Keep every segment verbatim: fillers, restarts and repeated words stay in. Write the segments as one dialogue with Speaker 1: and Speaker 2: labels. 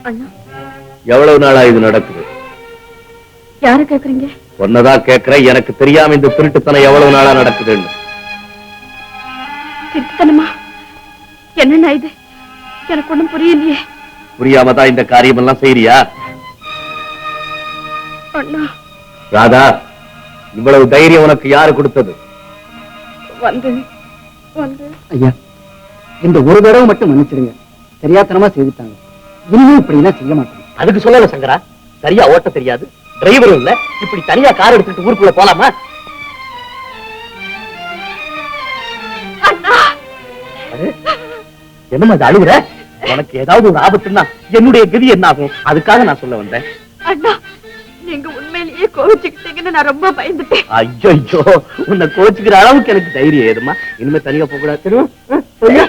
Speaker 1: அண்ணா,
Speaker 2: எவ்வளவு நாளா இது நடக்குது?
Speaker 1: யார கேக்குறீங்க?
Speaker 2: ஒன்னதான் கேக்குறேன். எனக்கு தெரியாம இந்த திருட்டுத்தனம் எவ்வளவு நாளா நடக்குதுன்னு.
Speaker 1: திருட்டுத்தனமா? என்னண்ணா இது? எனக்கு ஒண்ணும் புரியலையே.
Speaker 2: புரியாம தான் இந்த காரியம் எல்லாம் செய்யறியா?
Speaker 1: அண்ணா,
Speaker 2: ராதா, இவ்வளவு தைரியம் உனக்கு யாரு கொடுத்தது?
Speaker 1: வந்து வந்து
Speaker 3: ஐயா, இந்த ஒரு தடவை மட்டும் மன்னிச்சிடுங்க. தெரியாத்தனமா செய்துட்டாங்க. இனிமே இப்படி எல்லாம் செய்ய மாட்டேன்.
Speaker 4: அதுக்கு சொல்லல சங்கரா, சரியா ஓட்ட தெரியாது, டிரைவரும் இல்ல, இப்படி தனியா கார் எடுத்துட்டு ஊருக்குள்ள போலாமா? என்னமா அது அழுகுற? உனக்கு ஏதாவது ஒரு ஆபத்துன்னா என்னுடைய கதி என்ன ஆகும்? அதுக்காக நான் சொல்ல வந்தேன்.
Speaker 1: அண்ணா, நீங்க உண்மையிலேயே கோவிச்சுக்கிட்டீங்கன்னு நான் ரொம்ப பயந்துட்டேன்.
Speaker 4: ஐயோ, உன்னை கோச்சுக்கிற அளவுக்கு எனக்கு தைரியம் ஏதுமா? இனிமே தனியா போக கூடாது தெரியுமா?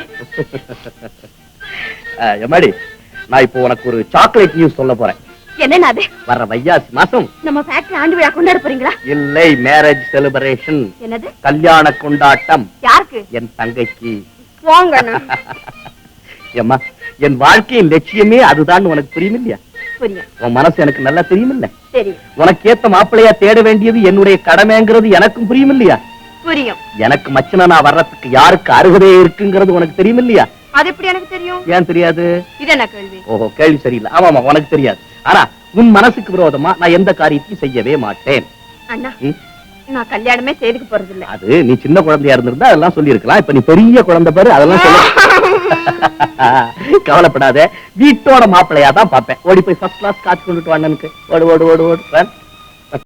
Speaker 4: எம்மாடி, நான் இப்போ உனக்கு ஒரு சாக்லேட் நியூஸ் சொல்ல போறேன்.
Speaker 1: என்னன்னா அது?
Speaker 4: வர்ற வைகாசி மாசம்
Speaker 1: நம்ம ஃபேக்டரி ஆண்டு விழா கொண்டாட போறீங்களா?
Speaker 4: இல்லை, மேரேஜ் செலிப்ரேஷன்.
Speaker 1: என்னது?
Speaker 4: கல்யாண கொண்டாட்டம்.
Speaker 1: யாருக்கு?
Speaker 4: என் தங்கைக்கு.
Speaker 1: போங்க அண்ணா.
Speaker 4: ஏம்மா, என் வாழ்க்கையின் லட்சியமே அதுதான். உனக்கு புரியும் இல்லையா?
Speaker 1: புரியும்.
Speaker 4: உன் மனசு எனக்கு நல்லா தெரியும் இல்ல?
Speaker 1: தெரியும்.
Speaker 4: உனக்கு ஏத்த மாப்பிள்ளையா தேட வேண்டியது என்னுடைய கடமைங்கிறது எனக்கும் புரியும் இல்லையா?
Speaker 1: புரியும்.
Speaker 4: எனக்கு மச்சனா நான் வர்றதுக்கு யாருக்கு அருகதை இருக்குங்கிறது உனக்கு தெரியும் இல்லையா?
Speaker 1: அது எப்படி எனக்கு தெரியும்?
Speaker 4: ஏன் தெரியாது?
Speaker 1: இது என்ன கேள்வி?
Speaker 4: ஓஹோ, கேள்வி சரியில்லை. ஆமாமா, உனக்கு தெரியாது. ஆனா உன் மனசுக்கு விரோதமா நான் எந்த காரியத்தையும் செய்யவே மாட்டேன்.
Speaker 1: அண்ணா, நான் கல்யாணமே செய்துக்க போறது இல்ல.
Speaker 4: அது நீ சின்ன குழந்தையா இருந்திருந்தா அதெல்லாம் சொல்லி இருக்கலாம். இப்ப நீ பெரிய குழந்தை பாரு, அதெல்லாம் சொல்ல. கவலைப்படாத, வீட்டோட மாப்பிள்ளையா தான் பாப்பேன். ஓடி போய் ஃபர்ஸ்ட் கிளாஸ் காத்து கொண்டுட்டு வாங்க. ஓடு ஓடு ஓடு ஓடு.